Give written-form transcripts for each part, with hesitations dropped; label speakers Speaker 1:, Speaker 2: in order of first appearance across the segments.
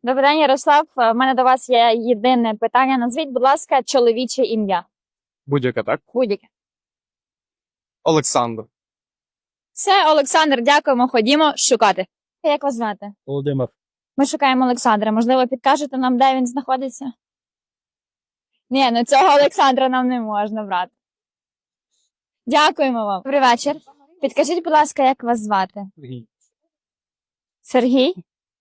Speaker 1: Добрий день, Ярослав. У мене до вас є єдине питання. Назвіть, будь ласка, чоловіче ім'я.
Speaker 2: Будь-яка, так?
Speaker 1: Будь-яке.
Speaker 2: Олександр.
Speaker 1: Все, Олександр, дякуємо. Ходімо шукати. Як вас звати?
Speaker 2: Володимир.
Speaker 1: Ми шукаємо Олександра. Можливо, підкажете нам, де він знаходиться? Ні, ну цього Олександра нам не можна брати. Дякуємо вам. Добрий вечір. Підкажіть, будь ласка, як вас звати? Сергій?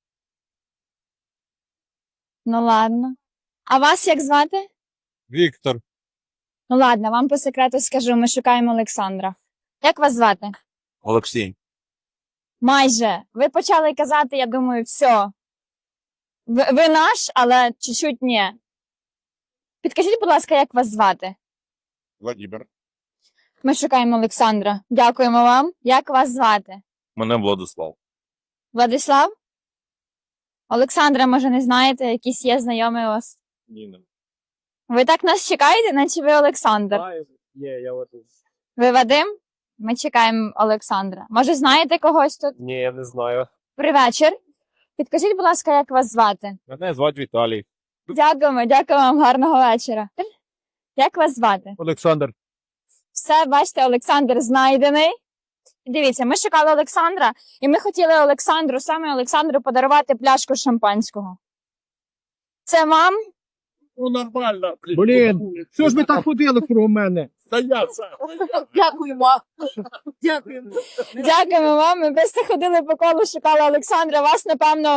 Speaker 1: Ну ладно. А вас як звати?
Speaker 2: Віктор.
Speaker 1: Ну ладно, вам по секрету скажу, ми шукаємо Олександра. Як вас звати?
Speaker 2: Олексій.
Speaker 1: Майже. Ви почали казати, я думаю, все. Ви наш, але чуть-чуть ні. Підкажіть, будь ласка, як вас звати?
Speaker 2: Владимир.
Speaker 1: Ми шукаємо Олександра. Дякуємо вам. Як вас звати?
Speaker 2: Мене Владислав.
Speaker 1: Владислав? Олександра, може, не знаєте, якісь є знайомі у вас?
Speaker 2: Ніна.
Speaker 1: Ви так нас чекаєте, наче ви Олександр.
Speaker 2: Є, я от.
Speaker 1: Ви Вадим? Ми чекаємо Олександра. Може, знаєте когось тут?
Speaker 2: Ні, я не знаю.
Speaker 1: Добрий вечір. Підкажіть, будь ласка, як вас звати?
Speaker 2: Мене звати Віталій.
Speaker 1: Дякуємо вам, гарного вечора. Як вас звати?
Speaker 2: Олександр.
Speaker 1: Все, бачите, Олександр знайдений. Дивіться, ми шукали Олександра, і ми хотіли Олександру, саме Олександру, подарувати пляшку шампанського. Це вам?
Speaker 2: Ну, нормально.
Speaker 3: Блін, що ж ви так ходили про мене?
Speaker 2: Та я це.
Speaker 4: Дякуємо. Дякуємо.
Speaker 1: Дякуємо вам. Ми просто ходили по колу, шукали Олександра. Вас, напевно,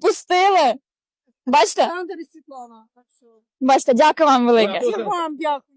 Speaker 1: пропустили. Бачите?
Speaker 4: Олександр і Світлана. Так що.
Speaker 1: Бачите, дякую вам велике.
Speaker 4: І вам дякую.